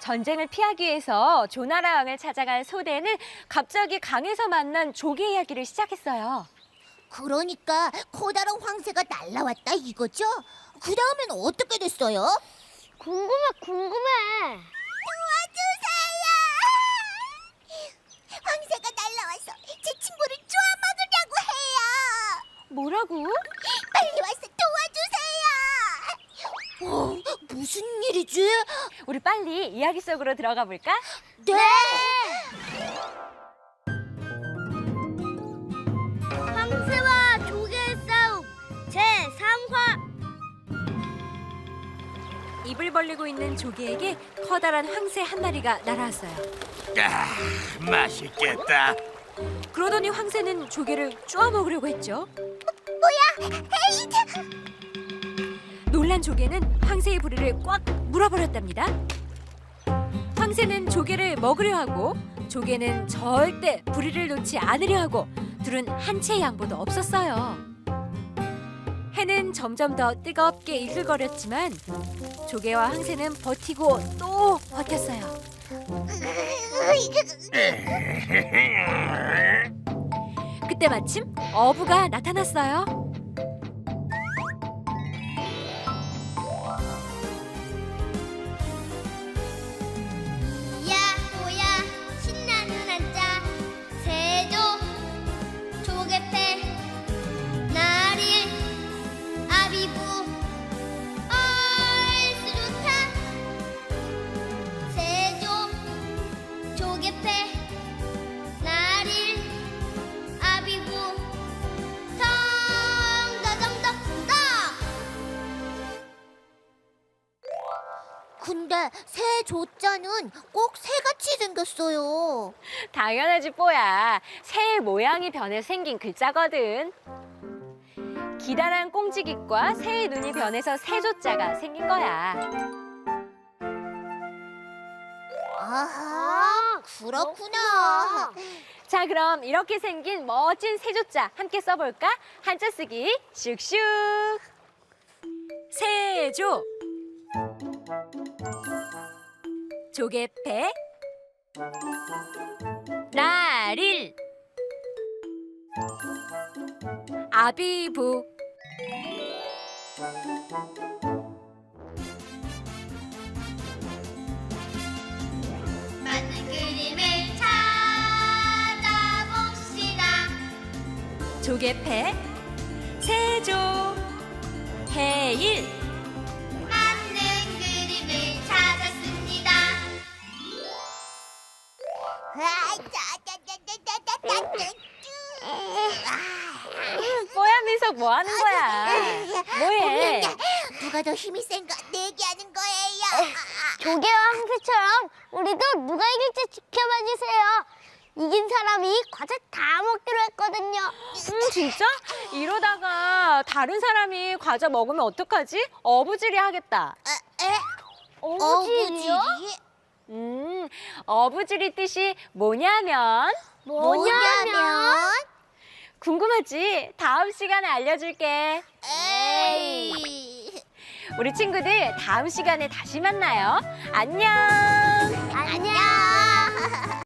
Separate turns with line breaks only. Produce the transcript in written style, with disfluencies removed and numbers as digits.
전쟁을 피하기 위해서 조나라 왕을 찾아간 소대는 갑자기 강에서 만난 조개 이야기를 시작했어요.
그러니까 커다란 황새가 날라왔다 이거죠? 그 다음엔 어떻게 됐어요?
궁금해.
도와주세요! 황새가 날라와서 제 친구를 쪼아먹으려고 해요!
뭐라고?
빨리 와서 도와주세요! 무슨 일이지?
우리 빨리 이야기 속으로 들어가 볼까?
네!
황새와 조개의 싸움 제3화.
입을 벌리고 있는 조개에게 커다란 황새 한 마리가 날아왔어요.
맛있겠다.
그러더니 황새는 조개를 쪼아 먹으려고 했죠.
뭐야? 에잇!
놀란 조개는 황새의 부리를 꽉 물어버렸답니다. 황새는 조개를 먹으려 하고 조개는 절대 부리를 놓지 않으려 하고 둘은 한 채의 양보도 없었어요. 해는 점점 더 뜨겁게 이글거렸지만 조개와 황새는 버티고 또 버텼어요. 그때 마침 어부가 나타났어요.
야호야 신나는 한자 세조 조개패 나릴 아비부 얼쑤 좋다 세조 조개패 나릴 아비부 덩더덩덕덩.
근데 새 조자는 꼭 새같이 생겼어요.
당연하지 뽀야. 새의 모양이 변해 생긴 글자거든. 기다란 꽁지깃과 새의 눈이 변해서 새조자가 생긴 거야.
아하, 그렇구나.
자, 그럼 이렇게 생긴 멋진 새조자 함께 써볼까? 한자 쓰기 슉슉. 새조, 조개패, 나릴, 아비부.
맞는 그림을 찾아봅시다.
조개패, 세조, 해일.
맞는 그림을 찾았습니다.
뽀얀 민석 뭐 하는 거야? 뭐해?
누가 더 힘이 센가 내기하는 거예요.
조개와 황새처럼 우리도 누가 이길지 지켜봐 주세요. 이긴 사람이 과자 다 먹기로 했거든요.
진짜? 이러다가 다른 사람이 과자 먹으면 어떡하지? 어부지리 하겠다.
어부지리요?
어부지리 뜻이 뭐냐면
뭐냐면?
궁금하지? 다음 시간에 알려줄게.
에이.
우리 친구들 다음 시간에 다시 만나요. 안녕.
안녕.